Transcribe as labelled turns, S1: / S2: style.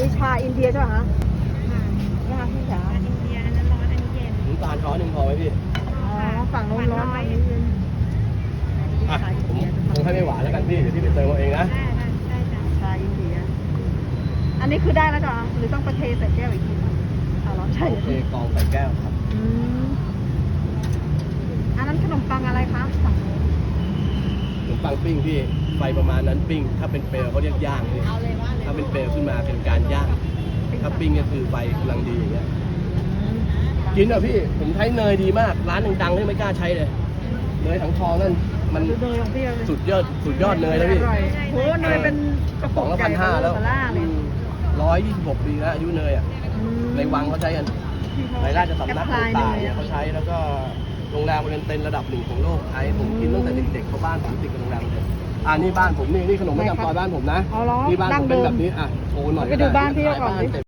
S1: ชาอินเดียใช่ไหมคะนี่ค่ะพี่จ๋า
S2: อินเดียอันนั้นร้อนอันนี้เย็น
S3: น้ำตาลช้อนหนึ่งพอไหมพี่
S1: อ๋อฝั่งโน้นร้อนฝั่งนี้เย็น
S3: อ่ะผมให้ไม่หวานแล้วกันพี่เดี๋ยวพี่ไปเติมเอาเองนะ
S2: ได้จ้ะ
S1: ชาอินเดีย อันนี้คือได้แล้วจ้ะหรือต้องไปเทใส่แก้วอีกทีเอาร้อนใช่
S3: โอเคกรองใส่แก้วครับ
S1: อันนั้นขนมปังอะไรคะฝั่งโน้น
S3: ขนมปังปิ้งพี่ไฟประมาณนั้นปิ้งถ้าเป็นเปลวเขาเรียกย่างพี่ถ้าเป็นเปลวขึ้นมาเป็นการย่างถ้าปิ้งก็คือไฟกำลังดีอย่างเงี้ยกินอ่ะพี่ผมใช้เนยดีมากร้านดังๆที่ไม่กล้าใช้เลยเนยถังทองนั่นมัน
S1: ดูเนยของพี่เลย
S3: สุดยอดเนยแล้วพี่
S1: อร่อยโหเนยเป็นกระ
S3: ส
S1: ป๋
S3: อ
S1: อง ง
S3: ละ
S1: ใหญ่
S3: 1,500แล้ว
S1: เบลอล่าเลย
S3: 126 ปีแล้วอายุเนยอ่ะในวังเขาใช้กันในราชสำนักต่างๆเนี่ยเขาใช้แล้วก็โรงแรมเป็นเต็นระดับหนึ่งของโลกใช้ผมกินตั้งแต่เด็กๆเขาบ้านผมติดกับโรงแรมเลยนี่บ้านผมนี่ขนมประจำซอยบ้านผมนะ
S1: เอาล้อ
S3: นี่บ้านผมเป็นแบบนี้อ่ะโชว์หน่อย
S1: ไปดูบ้านพี่ก่อนดิ
S3: ขาย